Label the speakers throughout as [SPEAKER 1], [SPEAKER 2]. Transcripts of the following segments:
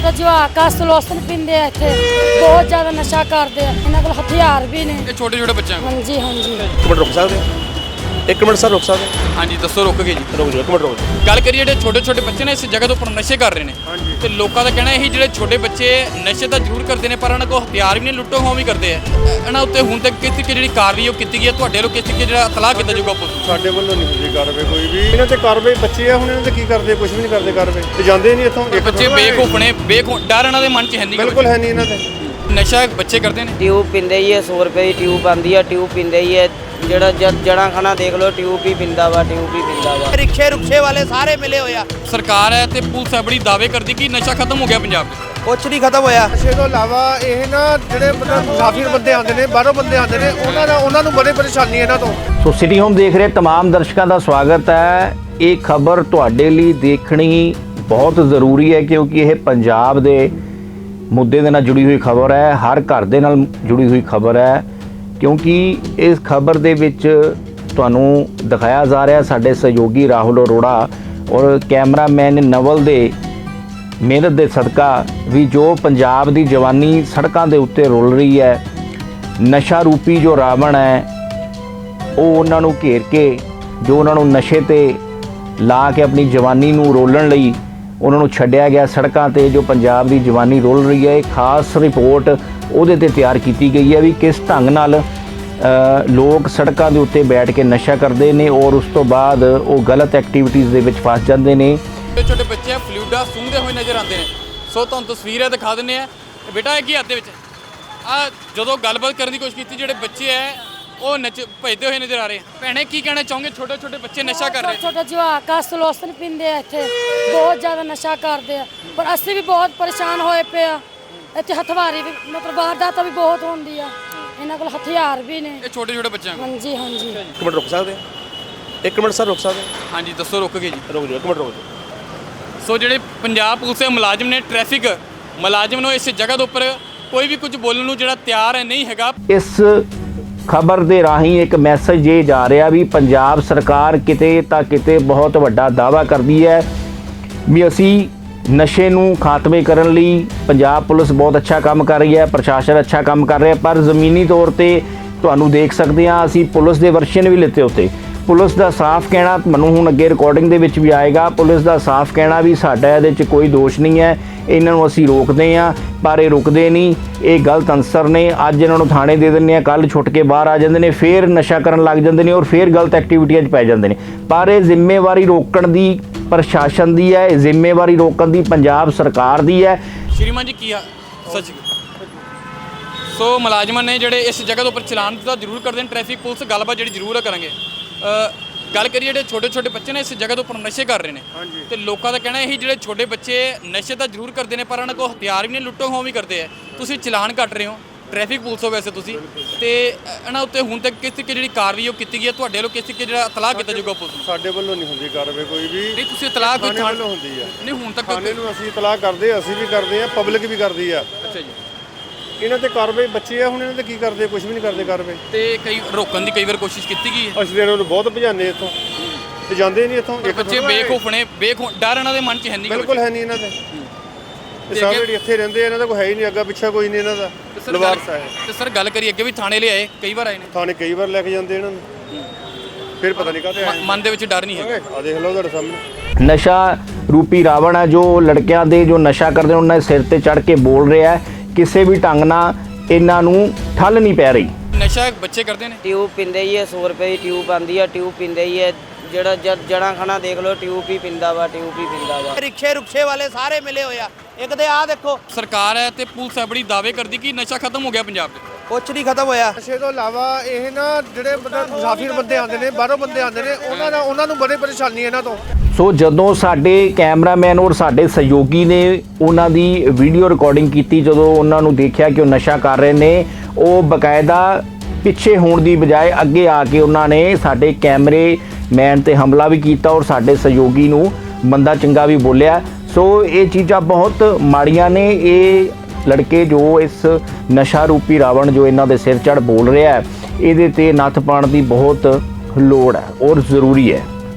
[SPEAKER 1] छोटा जवाक आ सलोसन पींदे आ इत्थे बहुत ज़्यादा नशा करदे आ इन्हां कोल हथियार भी ने
[SPEAKER 2] ਇਹ ਛੋਟੇ ਛੋਟੇ ਬੱਚਿਆਂ ਕੋਲ।
[SPEAKER 1] हाँ जी हाँ जी
[SPEAKER 3] ਇੱਕ ਮਿੰਟ ਰੁਕ ਸਕਦੇ ਹੋ? ਇੱਕ ਮਿੰਟ ਸਰ ਰੁਕ ਸਕਦੇ ਹੋ?
[SPEAKER 2] ਹਾਂਜੀ ਦੱਸੋ ਰੁਕ ਗਏ ਜੀ।
[SPEAKER 3] ਰੁਕ ਜਾਓ ਇੱਕ ਮਿੰਟ ਰੁਕ ਜਾਓ।
[SPEAKER 2] ਗੱਲ ਕਰੀਏ ਜਿਹੜੇ ਛੋਟੇ ਛੋਟੇ ਬੱਚੇ ਨੇ ਇਸ ਜਗ੍ਹਾ ਦੇ ਉੱਪਰ ਨਸ਼ੇ ਕਰ ਰਹੇ ਨੇ ਤੇ ਲੋਕਾਂ ਦਾ ਕਹਿਣਾ ਇਹੀ ਜਿਹੜੇ ਛੋਟੇ ਬੱਚੇ ਨਸ਼ੇ ਤਾਂ ਜ਼ਰੂਰ ਕਰਦੇ ਨੇ ਪਰ ਉਹਨਾਂ ਕੋਲ ਹਥਿਆਰ ਵੀ ਨੇ ਲੁੱਟੋ ਖੋਹ ਵੀ ਕਰਦੇ ਆ ਇਹਨਾਂ ਉੱਤੇ ਹੁਣ ਤੱਕ ਕਿਸ ਤਰੀਕੇ ਜਿਹੜੀ ਕਾਰਵਾਈ ਉਹ ਕੀਤੀ ਗਈ ਹੈ ਤੁਹਾਡੇ ਵੱਲੋਂ ਕਿਸ ਤਰੀਕੇ ਜਿਹੜਾ ਇਤਲਾਹ ਕੀਤਾ ਜਾਊਗਾ ਪੁਲਿਸ
[SPEAKER 4] ਸਾਡੇ ਵੱਲੋਂ ਨਹੀਂ ਹੁੰਦੀ ਕਾਰਵਾਈ ਕੋਈ ਵੀ ਇਹਨਾਂ ਤੇ ਕਾਰਵਾਈ ਬੱਚੇ ਆ ਹੁਣ ਇਹਨਾਂ ਤੇ ਕੀ ਕਰਦੇ ਕੁਝ ਵੀ ਨਹੀਂ ਕਰਦੇ ਕਾਰਵਾਈ ਤੇ ਜਾਂਦੇ ਨਹੀਂ ਇੱਥੋਂ ਇੱਕ
[SPEAKER 2] ਬੱਚੇ ਬੇਖੌਫ ਨੇ ਡਰ ਇਹਨਾਂ ਦੇ ਮਨ 'ਚ ਹੈ ਨਹੀਂ
[SPEAKER 4] ਬਿਲਕੁਲ ਹੈ ਨਹੀਂ ਇਹਨਾਂ ਤੇ
[SPEAKER 2] ਨਸ਼ਾ ਬੱਚੇ ਕਰਦੇ ਨੇ
[SPEAKER 5] ट्यूब पींदे ही है 100 रुपए की ट्यूब आती है ट्यूब पींदे ही है ਜਿਹੜਾ ਜਣਾ ਖਾਣਾ ਦੇਖ ਲਓ ਟਿਊਬ ਹੀ ਪਿੰਦਾ ਵਾ ਰਿਕਸ਼ੇ ਰੁਕਸ਼ੇ ਵਾਲੇ ਸਾਰੇ ਮਿਲੇ ਹੋਇਆ
[SPEAKER 2] ਸਰਕਾਰ ਹੈ ਤੇ ਪੁਲਿਸ ਹੈ ਬੜੀ ਦਾਅਵੇ ਕਰਦੀ ਕਿ ਨਸ਼ਾ ਖਤਮ ਹੋ ਗਿਆ ਪੰਜਾਬ 'ਚ
[SPEAKER 5] ਕੁਛ ਨਹੀਂ ਖਤਮ ਹੋਇਆ
[SPEAKER 4] ਨਸ਼ੇ ਤੋਂ ਇਲਾਵਾ ਇਹ ਨਾ ਜਿਹੜੇ ਮਤਲਬ ਮੁਸਾਫਿਰ ਬੰਦੇ ਆਉਂਦੇ ਨੇ ਬਾਹਰੋਂ ਬੰਦੇ ਆਉਂਦੇ ਨੇ ਉਹਨਾਂ ਨੂੰ ਬੜੀ ਪਰੇਸ਼ਾਨੀ ਇਹਨਾਂ ਤੋਂ
[SPEAKER 6] ਸੋ ਸਿਟੀ ਹੋਮ ਦੇਖ ਰਹੇ तमाम ਦਰਸ਼ਕਾਂ ਦਾ ਸਵਾਗਤ ਹੈ। ਇਹ ਖਬਰ ਤੁਹਾਡੇ ਲਈ ਦੇਖਣੀ ਬਹੁਤ ਜ਼ਰੂਰੀ ਹੈ ਕਿਉਂਕਿ ਇਹ ਪੰਜਾਬ ਦੇ ਮੁੱਦੇ ਦੇ ਨਾਲ ਜੁੜੀ ਹੋਈ ਖਬਰ ਹੈ, ਹਰ ਘਰ ਦੇ ਨਾਲ ਜੁੜੀ ਹੋਈ ਖਬਰ ਹੈ ਕਿਉਂਕਿ ਇਸ ਖਬਰ ਦੇ ਵਿੱਚ ਤੁਹਾਨੂੰ ਦਿਖਾਇਆ ਜਾ ਰਿਹਾ ਸਾਡੇ ਸਹਿਯੋਗੀ ਰਾਹੁਲ ਅਰੋੜਾ ਔਰ ਕੈਮਰਾਮੈਨ ਨਵਲ ਦੇ ਮਿਹਨਤ ਦੇ ਸਦਕਾ ਵੀ ਜੋ ਪੰਜਾਬ ਦੀ ਜਵਾਨੀ ਸੜਕਾਂ ਦੇ ਉੱਤੇ ਰੁਲ ਰਹੀ ਹੈ, ਨਸ਼ਾ ਰੂਪੀ ਜੋ ਰਾਵਣ ਹੈ ਉਹ ਉਹਨਾਂ ਨੂੰ ਘੇਰ ਕੇ ਜੋ ਉਹਨਾਂ ਨੂੰ ਨਸ਼ੇ ਤੇ ਲਾ ਕੇ ਆਪਣੀ ਜਵਾਨੀ ਨੂੰ ਰੋਲਣ ਲਈ ਉਹਨਾਂ ਨੂੰ ਛੱਡਿਆ ਗਿਆ ਸੜਕਾਂ ਤੇ ਜੋ ਪੰਜਾਬ ਦੀ ਜਵਾਨੀ ਰੋਲ ਰਹੀ ਹੈ। ਖਾਸ ਰਿਪੋਰਟ ਉਹਦੇ ਤੇ ਤਿਆਰ ਕੀਤੀ ਗਈ ਹੈ ਵੀ ਕਿਸ ਢੰਗ ਨਾਲ ਲੋਕ ਸੜਕਾਂ ਦੇ ਉੱਤੇ ਬੈਠ ਕੇ ਨਸ਼ਾ ਕਰਦੇ ਨੇ ਔਰ ਉਸ ਤੋਂ ਬਾਅਦ ਉਹ ਗਲਤ ਐਕਟੀਵਿਟੀਜ਼ ਦੇ ਵਿੱਚ ਫਸ ਜਾਂਦੇ ਨੇ।
[SPEAKER 2] ਛੋਟੇ ਛੋਟੇ ਬੱਚੇ ਫਲੂਡਾ ਸੁੰਘਦੇ ਹੋਏ ਨਜ਼ਰ ਆਉਂਦੇ ਨੇ। ਸੋ ਤੁਹਾਨੂੰ ਤਸਵੀਰ ਦਿਖਾ ਦਿੰਦੇ ਆ ਬੇਟਾ ਇਹ ਕੀ ਹੱਥ ਦੇ ਵਿੱਚ ਆ ਜਦੋਂ ਗੱਲਬਾਤ ਕਰਨ ਦੀ ਕੋਸ਼ਿਸ਼ ਕੀਤੀ ਜਿਹੜੇ ਬੱਚੇ ਹੈ ਉਹ ਭਜਦੇ ਹੋਏ ਨਜ਼ਰ ਆ ਰਹੇ। ਭੈਣੇ ਕੀ ਕਹਿਣਾ ਚਾਹੋਗੇ ਛੋਟੇ ਛੋਟੇ ਬੱਚੇ ਨਸ਼ਾ ਕਰ ਰਹੇ
[SPEAKER 1] छोटा जवाक आ सलोसन पींदे आ इत्थे बहुत ज़्यादा नशा करदे आ पर ਅਸੀਂ ਵੀ ਬਹੁਤ ਪਰੇਸ਼ਾਨ ਹੋਏ ਪਏ ਆ ਇੱਥੇ ਹਥਵਾਰੀ ਵੀ ਮਤਲਬ ਵਾਰਦਾਤਾਂ ਵੀ ਬਹੁਤ ਹੁੰਦੀ ਆ ਇਹਨਾਂ ਕੋਲ ਹਥਿਆਰ ਵੀ ਨੇ
[SPEAKER 2] ਇਹ ਛੋਟੇ ਛੋਟੇ ਬੱਚਿਆਂ ਕੋਲ।
[SPEAKER 1] हाँ जी हाँ जी
[SPEAKER 3] ਇੱਕ ਮਿੰਟ ਰੁਕ ਸਕਦੇ ਹੋ? ਇੱਕ ਮਿੰਟ ਸਰ ਰੁਕ ਸਕਦੇ ਹੋ?
[SPEAKER 2] ਹਾਂਜੀ ਦੱਸੋ ਰੁਕ ਗਏ ਜੀ।
[SPEAKER 3] ਰੁਕ ਜਾਓ ਇੱਕ ਮਿੰਟ ਰੁਕ ਜਾਓ।
[SPEAKER 2] ਸੋ ਜਿਹੜੇ ਪੰਜਾਬ ਪੁਲਿਸ ਦੇ ਮੁਲਾਜ਼ਮ ਨੇ ਟ੍ਰੈਫਿਕ ਮੁਲਾਜ਼ਮ ਨੂੰ ਇਸ ਜਗ੍ਹਾ ਦੇ ਉੱਪਰ ਕੋਈ ਵੀ ਕੁਝ ਬੋਲਣ ਨੂੰ ਜਿਹੜਾ ਤਿਆਰ ਹੈ ਨਹੀਂ ਹੈਗਾ।
[SPEAKER 6] ਇਸ ਖਬਰ ਦੇ ਰਾਹੀਂ ਇੱਕ ਮੈਸੇਜ ਇਹ ਜਾ ਰਿਹਾ ਵੀ ਪੰਜਾਬ ਸਰਕਾਰ ਕਿਤੇ ਤਾਂ ਕਿਤੇ ਬਹੁਤ ਵੱਡਾ ਦਾਅਵਾ ਕਰਦੀ ਹੈ ਵੀ ਅਸੀਂ ਨਸ਼ੇ ਨੂੰ ਖਾਤਮੇ ਕਰਨ ਲਈ ਪੰਜਾਬ ਪੁਲਿਸ ਬਹੁਤ ਅੱਛਾ ਕੰਮ ਕਰ ਰਹੀ ਹੈ, ਪ੍ਰਸ਼ਾਸਨ ਅੱਛਾ ਕੰਮ ਕਰ ਰਿਹਾ, ਪਰ ਜ਼ਮੀਨੀ ਤੌਰ ਤੇ ਤੁਹਾਨੂੰ ਦੇਖ ਸਕਦੇ ਹਾਂ ਅਸੀਂ ਪੁਲਿਸ ਦੇ ਵਰਸ਼ਨ ਵੀ ਲਿੱਤੇ ਉੱਤੇ ਪੁਲਿਸ ਦਾ ਸਾਫ਼ ਕਹਿਣਾ ਮੈਨੂੰ ਹੁਣ ਅੱਗੇ ਰਿਕਾਰਡਿੰਗ ਦੇ ਵਿੱਚ ਵੀ ਆਏਗਾ। ਪੁਲਿਸ ਦਾ ਸਾਫ਼ ਕਹਿਣਾ ਵੀ ਸਾਡਾ ਇਹਦੇ 'ਚ ਕੋਈ ਦੋਸ਼ ਨਹੀਂ ਹੈ, ਇਹਨਾਂ ਨੂੰ ਅਸੀਂ ਰੋਕਦੇ ਹਾਂ ਪਰ ਇਹ ਰੁਕਦੇ ਨਹੀਂ, ਇਹ ਗਲਤ ਅਨਸਰ ਨੇ। ਅੱਜ ਇਹਨਾਂ ਨੂੰ ਥਾਣੇ ਦੇ ਦਿੰਦੇ ਆ, ਕੱਲ੍ਹ ਛੁੱਟ ਕੇ ਬਾਹਰ ਆ ਜਾਂਦੇ ਨੇ, ਫਿਰ ਨਸ਼ਾ ਕਰਨ ਲੱਗ ਜਾਂਦੇ ਨੇ ਔਰ ਫਿਰ ਗਲਤ ਐਕਟੀਵਿਟੀਆਂ 'ਚ ਪੈ ਜਾਂਦੇ ਨੇ। ਪਰ ਇਹ ਜ਼ਿੰਮੇਵਾਰੀ ਰੋਕਣ ਦੀ ਪ੍ਰਸ਼ਾਸਨ ਦੀ ਹੈ, ਇਹ ਜ਼ਿੰਮੇਵਾਰੀ ਰੋਕਣ ਦੀ ਪੰਜਾਬ ਸਰਕਾਰ ਦੀ ਹੈ।
[SPEAKER 2] ਸ਼੍ਰੀਮਾਨ ਜੀ ਕੀ ਸੱਚ ਸੋ ਮੁਲਾਜ਼ਮਾਂ ਨੇ ਜਿਹੜੇ ਇਸ ਜਗ੍ਹਾ ਦੇ ਉੱਪਰ ਚਲਾਨ ਤਾਂ ਜ਼ਰੂਰ ਕਰਦੇ ਨੇ ਟ੍ਰੈਫਿਕ ਪੁਲਿਸ ਗੱਲਬਾਤ ਜਿਹੜੀ ਜ਼ਰੂਰ ਕਰਾਂਗੇ। ਗੱਲ ਕਰੀਏ ਜਿਹੜੇ ਛੋਟੇ ਛੋਟੇ ਬੱਚੇ ਨੇ ਇਸ ਜਗ੍ਹਾ ਦੇ ਉੱਪਰ ਨਸ਼ੇ ਕਰ ਰਹੇ ਨੇ ਤੇ ਲੋਕਾਂ ਦਾ ਕਹਿਣਾ ਇਹੀ ਜਿਹੜੇ ਛੋਟੇ ਬੱਚੇ ਨਸ਼ੇ ਤਾਂ ਜ਼ਰੂਰ ਕਰਦੇ ਨੇ ਪਰ ਉਹਨਾਂ ਕੋਲ ਹਥਿਆਰ ਵੀ ਨੇ ਲੁੱਟੋ ਖੋਹ ਵੀ ਕਰਦੇ ਆ। ਤੁਸੀਂ ਚਲਾਨ ਕੱਟ ਰਹੇ ਹੋ ਟ੍ਰੈਫਿਕ ਪੁਲਿਸ ਹੋ ਵੈਸੇ ਤੁਸੀਂ ਤੇ ਇਹਨਾਂ ਉੱਤੇ ਹੁਣ ਤੱਕ ਕਿਸ ਤਰੀਕੇ ਜਿਹੜੀ ਕਾਰਵਾਈ ਉਹ ਕੀਤੀ ਗਈ ਹੈ ਤੁਹਾਡੇ ਵੱਲੋਂ ਕਿਸ ਤਰੀਕੇ ਜਿਹੜਾ ਇਤਲਾਹ ਕੀਤਾ ਜਾਊਗਾ ਪੁਲਿਸ ਨੂੰ?
[SPEAKER 4] ਸਾਡੇ ਵੱਲੋਂ ਨਹੀਂ ਹੁੰਦੀ ਕਾਰਵਾਈ ਕੋਈ ਵੀ
[SPEAKER 2] ਨਹੀਂ ਤੁਸੀਂ ਇਤਲਾਹ ਕੋਈ
[SPEAKER 4] ਥਾਣੇ ਵੱਲੋਂ ਹੁੰਦੀ ਆ।
[SPEAKER 2] ਨਹੀਂ ਹੁਣ ਤੱਕ
[SPEAKER 4] ਥਾਣੇ ਨੂੰ ਅਸੀਂ ਇਤਲਾਹ ਕਰਦੇ ਅਸੀਂ ਵੀ ਕਰਦੇ ਆ ਪਬਲਿਕ ਵੀ ਕਰਦੀ ਆ।
[SPEAKER 2] ਅੱਛਾ ਜੀ
[SPEAKER 4] ਇਹਨਾਂ ਤੇ ਕਾਰਵਾਈ ਬੱਚੇ ਆ ਹੁਣ ਇਹਨਾਂ ਤੇ ਕੀ ਕਰਦੇ ਕੁਝ ਵੀ ਨਹੀਂ ਕਰਦੇ ਕਾਰਵਾਈ
[SPEAKER 2] ਤੇ ਕਈ ਰੋਕਣ ਦੀ ਕਈ ਵਾਰ ਕੋਸ਼ਿਸ਼ ਕੀਤੀ ਗਈ ਹੈ
[SPEAKER 4] ਅਸੀਂ ਇਹਨਾਂ ਨੂੰ ਬਹੁਤ ਭਜਾਨੇ ਇੱਥੋਂ ਤੇ ਜਾਂਦੇ ਨਹੀਂ ਇੱਥੋਂ ਇੱਕ
[SPEAKER 2] ਬੱਚੇ ਬੇਖੌਫ ਨੇ ਡਰ ਇਹਨਾਂ ਦੇ ਮਨ 'ਚ ਹੈ ਨਹੀਂ
[SPEAKER 4] ਬਿਲਕੁਲ ਹੈ ਨਹੀਂ ਇਹਨਾਂ ਦੇ ਤੇ ਸਾਰੇ ਜਿਹੜੇ ਇੱਥੇ ਰਹਿੰਦੇ ਆ ਇਹਨਾਂ ਦਾ ਕੋਈ ਹੈ ਹੀ ਨਹੀਂ, ਅੱਗਾ ਪਿੱਛਾ ਕੋਈ ਨਹੀਂ ਇਹਨਾਂ ਦਾ ਲਵਾਰਸ ਹੈ।
[SPEAKER 2] ਤੇ ਸਰ ਗੱਲ ਕਰੀ ਅੱਗੇ ਵੀ ਥਾਣੇ ਲੈ ਆਏ ਕਈ ਵਾਰ ਆਏ ਨੇ
[SPEAKER 4] ਥਾਣੇ ਕਈ ਵਾਰ ਲੈ ਕੇ ਜਾਂਦੇ ਇਹਨਾਂ ਨੂੰ ਫਿਰ ਪਤਾ ਨਹੀਂ ਕਾਹਤੇ ਆਏ
[SPEAKER 2] ਮਨ ਦੇ ਵਿੱਚ ਡਰ ਨਹੀਂ ਹੈ।
[SPEAKER 4] ਆ ਦੇਖ ਲਓ ਤੁਹਾਡੇ ਸਾਹਮਣੇ
[SPEAKER 6] ਨਸ਼ਾ ਰੂਪੀ ਰਾਵਣ ਹੈ ਜੋ ਲੜਕਿਆਂ ਦੇ ਜੋ ਨਸ਼ਾ ਕਰਦੇ ਨੇ ਉਹਨਾਂ ਦੇ ਸਿਰ ਤੇ ਚੜ੍ਹ ਕੇ ਬੋਲ ਰਿਹਾ ਹੈ। ਕਿਸੇ ਵੀ ਢੰਗ ਨਾਲ ਇਹਨਾਂ ਨੂੰ ਠੱਲ ਨਹੀਂ ਪੈ ਰਹੀ।
[SPEAKER 2] ਨਸ਼ਾ ਬੱਚੇ ਕਰਦੇ ਨੇ
[SPEAKER 5] ਟਿਊਬ ਪੀਂਦੇ ਹੀ ਹੈ 100 ਰੁਪਏ ਦੀ ਟਿਊਬ ਆਂਦੀ ਹੈ ਟਿਊਬ ਪੀਂਦੇ ਹੀ ਹੈ ਜਿਹੜਾ ਜਣਾ ਖਾਣਾ ਦੇਖ ਲਓ ਟਿਊਬ ਹੀ ਪਿੰਦਾ ਵਾ ਰਿਕਸ਼ੇ ਰੁਕਸ਼ੇ ਵਾਲੇ ਸਾਰੇ ਮਿਲੇ ਹੋਇਆ ਇੱਕ ਤੇ ਆਹ ਦੇਖੋ
[SPEAKER 2] ਸਰਕਾਰ ਹੈ ਤੇ ਪੁਲਿਸ ਹੈ ਬੜੀ ਦਾਅਵੇ ਕਰਦੀ ਕਿ ਨਸ਼ਾ ਖਤਮ ਹੋ ਗਿਆ ਪੰਜਾਬ 'ਚ।
[SPEAKER 5] ਕੁਛ ਨਹੀਂ ਖਤਮ ਹੋਇਆ
[SPEAKER 4] ਨਸ਼ੇ ਤੋਂ ਇਲਾਵਾ ਇਹ ਨਾ ਜਿਹੜੇ ਮਤਲਬ ਮੁਸਾਫਿਰ ਬੰਦੇ ਆਉਂਦੇ ਨੇ ਬਾਹਰੋਂ ਬੰਦੇ ਆਉਂਦੇ ਨੇ ਉਹਨਾਂ ਨੂੰ ਬੜੀ ਪਰੇਸ਼ਾਨੀ ਇਹਨਾਂ ਤੋਂ।
[SPEAKER 6] ਸੋ ਜਦੋਂ ਸਾਡੇ ਕੈਮਰਾਮੈਨ ਔਰ ਸਾਡੇ ਸਹਿਯੋਗੀ ਨੇ ਉਹਨਾਂ ਦੀ ਵੀਡੀਓ ਰਿਕਾਰਡਿੰਗ ਕੀਤੀ, ਜਦੋਂ ਉਹਨਾਂ ਨੂੰ ਦੇਖਿਆ ਕਿ ਉਹ ਨਸ਼ਾ ਕਰ ਰਹੇ ਨੇ, ਉਹ ਬਕਾਇਦਾ ਪਿੱਛੇ ਹੋਣ ਦੀ ਬਜਾਏ ਅੱਗੇ ਆ ਕੇ ਉਹਨਾਂ ਨੇ ਸਾਡੇ ਕੈਮਰੇਮੈਨ ਤੇ ਹਮਲਾ ਵੀ ਕੀਤਾ ਔਰ ਸਾਡੇ ਸਹਿਯੋਗੀ ਨੂੰ ਮੰਦਾ ਚੰਗਾ ਵੀ ਬੋਲਿਆ। ਸੋ ਇਹ ਚੀਜ਼ਾਂ ਬਹੁਤ ਮਾੜੀਆਂ ਨੇ। ਇਹ ਲੜਕੇ ਜੋ ਇਸ ਨਸ਼ਾ ਰੂਪੀ ਰਾਵਣ ਜੋ ਇਹਨਾਂ ਦੇ ਸਿਰ ਚੜ੍ਹ ਬੋਲ ਰਿਹਾ ਹੈ, ਇਹਦੇ ਤੇ ਨੱਥ ਪਾਉਣ ਦੀ ਬਹੁਤ ਲੋੜ ਹੈ ਔਰ ਜ਼ਰੂਰੀ ਹੈ।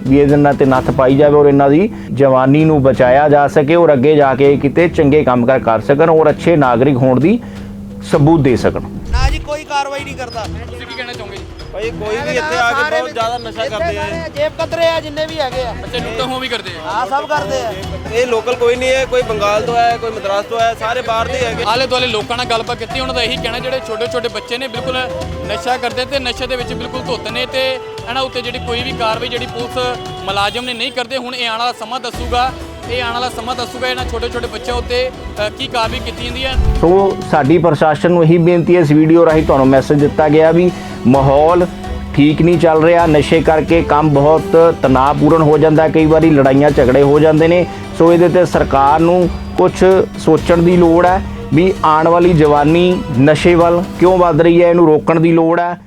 [SPEAKER 6] ਵੀ ਇਹਦੇ ਨਾਲ ਤੇ ਨੱਥ ਪਾਈ ਜਾਵੇ ਔਰ ਇਹਨਾਂ ਦੀ ਜਵਾਨੀ ਨੂੰ ਬਚਾਇਆ ਜਾ ਸਕੇ ਔਰ ਅੱਗੇ ਜਾ ਕੇ ਕਿਤੇ ਚੰਗੇ ਕੰਮਕਾਰ ਕਰ ਸਕਣ ਔਰ ਅੱਛੇ ਨਾਗਰਿਕ ਹੋਣ ਦੀ ਸਬੂਤ ਦੇ ਸਕਣ।
[SPEAKER 5] ਨਾ ਜੀ ਕੋਈ ਕਾਰਵਾਈ ਨਹੀਂ ਕਰਦਾ।
[SPEAKER 2] ਤੁਸੀਂ ਕੀ ਕਹਿਣਾ ਚਾਹੋਗੇ ਜੀ?
[SPEAKER 3] ਭਾਈ ਕੋਈ ਵੀ ਇੱਥੇ ਆ ਕੇ ਬਹੁਤ ਜ਼ਿਆਦਾ ਨਸ਼ਾ ਕਰਦੇ ਆ
[SPEAKER 5] ਜੇਬ ਕਤਰੇ ਆ ਜਿੰਨੇ ਵੀ ਹੈਗੇ ਆ,
[SPEAKER 2] ਬੱਚੇ ਲੁੱਟਾਂ ਹੋ ਵੀ ਕਰਦੇ ਆ।
[SPEAKER 5] ਆ ਸਭ ਕਰਦੇ ਆ।
[SPEAKER 3] ਇਹ ਲੋਕਲ ਕੋਈ ਨਹੀਂ ਹੈ, ਕੋਈ ਬੰਗਾਲ ਤੋਂ ਹੈ, ਕੋਈ ਮਦਰਾਸ ਤੋਂ ਹੈ, ਸਾਰੇ ਬਾਹਰ ਦੇ ਹੈਗੇ।
[SPEAKER 2] ਆਲੇ ਦੁਆਲੇ ਲੋਕਾਂ ਨਾਲ ਗੱਲਬਾਤ ਕੀਤੀ, ਉਹਨਾਂ ਦਾ ਇਹੀ ਕਹਿਣਾ ਜਿਹੜੇ ਛੋਟੇ ਛੋਟੇ ਬੱਚੇ ਨੇ ਬਿਲਕੁਲ ਨਸ਼ਾ ਕਰਦੇ ਤੇ ਨਸ਼ੇ ਦੇ ਵਿੱਚ ਬਿਲਕੁਲ ਧੁੱਤ ਨੇ ਤੇ ਇਹਨਾਂ ਉੱਤੇ ਜਿਹੜੀ ਕੋਈ ਵੀ ਕਾਰਵਾਈ ਜਿਹੜੀ ਪੁਲਿਸ ਮੁਲਾਜ਼ਮ ਨੇ ਨਹੀਂ ਕਰਦੇ। ਹੁਣ ਇਹ ਆਉਣ ਵਾਲਾ ਸਮਾਂ ਦੱਸੂਗਾ, ਇਹਨਾਂ ਛੋਟੇ ਛੋਟੇ ਬੱਚਿਆਂ ਉੱਤੇ ਕੀ ਕਾਰਵਾਈ ਕੀਤੀ ਜਾਂਦੀ ਹੈ।
[SPEAKER 6] ਸੋ ਸਾਡੀ ਪ੍ਰਸ਼ਾਸਨ ਨੂੰ ਇਹੀ ਬੇਨਤੀ ਹੈ, ਇਸ ਵੀਡੀਓ ਰਾਹੀਂ ਤੁਹਾਨੂੰ ਮੈਸੇਜ ਦਿੱਤਾ ਗਿਆ ਵੀ ਮਾਹੌਲ ਠੀਕ ਨਹੀਂ ਚੱਲ ਰਿਹਾ, ਨਸ਼ੇ ਕਰਕੇ ਕੰਮ ਬਹੁਤ ਤਣਾਅਪੂਰਨ ਹੋ ਜਾਂਦਾ, ਕਈ ਵਾਰੀ ਲੜਾਈਆਂ ਝਗੜੇ ਹੋ ਜਾਂਦੇ ਨੇ। ਸੋ ਇਹਦੇ ਤੇ ਸਰਕਾਰ ਨੂੰ ਕੁਝ ਸੋਚਣ ਦੀ ਲੋੜ ਹੈ ਵੀ ਆਉਣ ਵਾਲੀ ਜਵਾਨੀ ਨਸ਼ੇ ਵੱਲ ਕਿਉਂ ਵੱਧ ਰਹੀ ਹੈ, ਇਹਨੂੰ ਰੋਕਣ ਦੀ ਲੋੜ ਹੈ।